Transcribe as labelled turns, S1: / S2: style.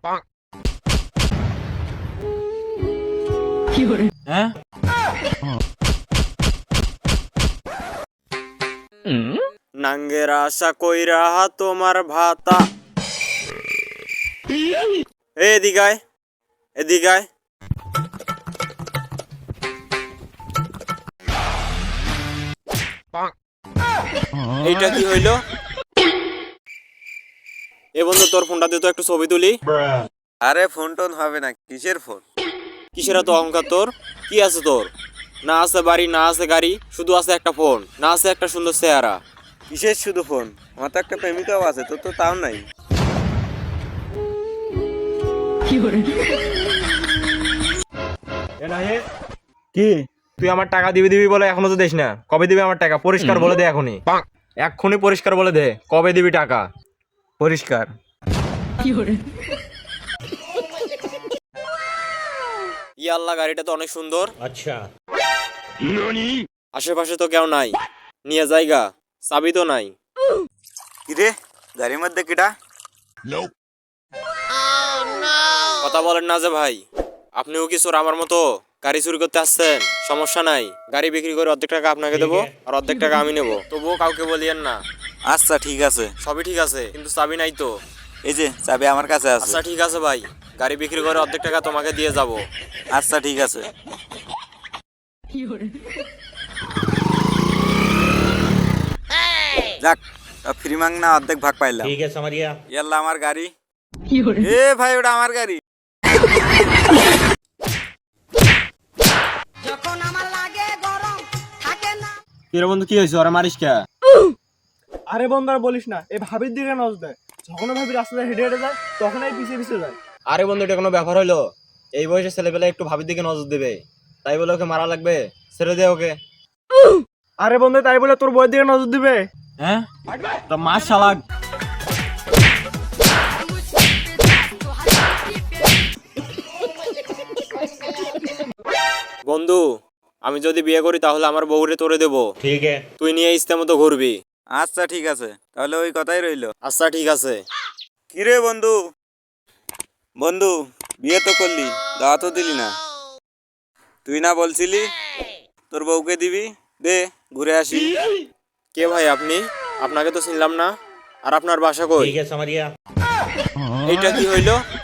S1: হ্যাঁ
S2: নাঙ্গের আশা কইরা তোমার ভাতা। এদিকায় এদিকায়। এইটা কি হইলো? এ বন্ধু, তোর ফোনটা দিয়ে তো একটু ছবি তুলি।
S3: আরে ফোন টোন হবে না, কিসের ফোন?
S2: কিসের এত অহংকার তোর? কি আছে তোর? না আছে বাড়ি, না আছে গাড়ি, শুধু আছে একটা ফোন, না আছে একটা সুন্দর চেহারা।
S3: কিসের শুধু ফোন? আমার তো একটা প্রেমিকাও আছে, তোর তো তাও নাই।
S1: কি তুই আমার টাকা দিবি দিবি বলে এখনো তো দিস না? কবে দিবি আমার টাকা? পরিষ্কার বলে দে এখনই, এক্ষুনি পরিষ্কার বলে দে কবে দিবি টাকা।
S3: পরিষ্কার।
S2: আল্লাহ, গাড়িটা তো অনেক সুন্দর।
S1: আচ্ছা,
S2: আশেপাশে তো কেউ নাই, নিয়ে জায়গা, চাবি তো নাই।
S3: কিরে, গাড়ির মধ্যে কিটা?
S2: কথা বলেন না যে ভাই, আপনিও কি চোর আমার মতো গাড়ি চুরি করতে আসছেন? সমস্যা নাই, গাড়ি বিক্রি করে অর্ধেক টাকা আপনাকে দেবো আর অর্ধেক টাকা আমি নেবো। তবুও কাউকে বলিয়েন না।
S3: আচ্ছা ঠিক আছে।
S2: সবই ঠিক আছে, কিন্তু চাবি নাই তো।
S3: এই যে চাবি আমার কাছে আছে।
S2: আচ্ছা ঠিক আছে ভাই, গাড়ি বিক্রি করে অর্ধেক টাকা তোমাকে দিয়ে যাব।
S3: আচ্ছা ঠিক আছে। যাক, ফ্রি মাংনা অর্ধেক ভাগ পাইলাম।
S1: ঠিক আছে মারিয়া।
S3: ইয়াল্লা আমার গাড়ি। এ ভাই, ওটা আমার গাড়ি।
S1: কিরে বন্ধু, কি হয়েছে? ওরা মারিস কে?
S4: আরে বন্ধু আর বলিস না, এই ভাবির দিকে নজর দেয়। যখন ভাবি রাস্তায় হেঁটে হেঁটে যায়, তখনই পিছিয়ে পিছিয়ে যায়।
S1: আরে বন্ধু, এটা কোনো ব্যাপার হইলো? এই বয়সে ছেলেবেলা একটু ভাবির দিকে নজর দেবে, তাই বলে ওকে মারা লাগবে? ছেড়ে দে ওকে।
S4: আরে বন্ধু, তাই বলে তোর বইয়ের দিকে নজর দিবে?
S1: হ্যাঁ, তো মাছ শালাক।
S2: বন্ধু, আমি যদি বিয়ে করি তাহলে আমার বউরে তোরে দেবো।
S1: ঠিক আছে।
S2: তুই নিয়ে ইচ্ছে মতো ঘুরবি।
S3: আচ্ছা ঠিক আছে, তাহলে ওই কথাই রইলো।
S2: আচ্ছা ঠিক আছে।
S3: কিরে বন্ধু, বন্ধু বিয়ে তো করলি, দাওয়া তো দিলি না। তুই না বলছিলি তোর বউকে দিবি? দে ঘুরে আসি।
S2: কে ভাই আপনি? আপনাকে তো চিনলাম না। আর আপনার বাসা কই?
S1: ঠিক আছে মারিয়া।
S2: এইটা কি হইলো?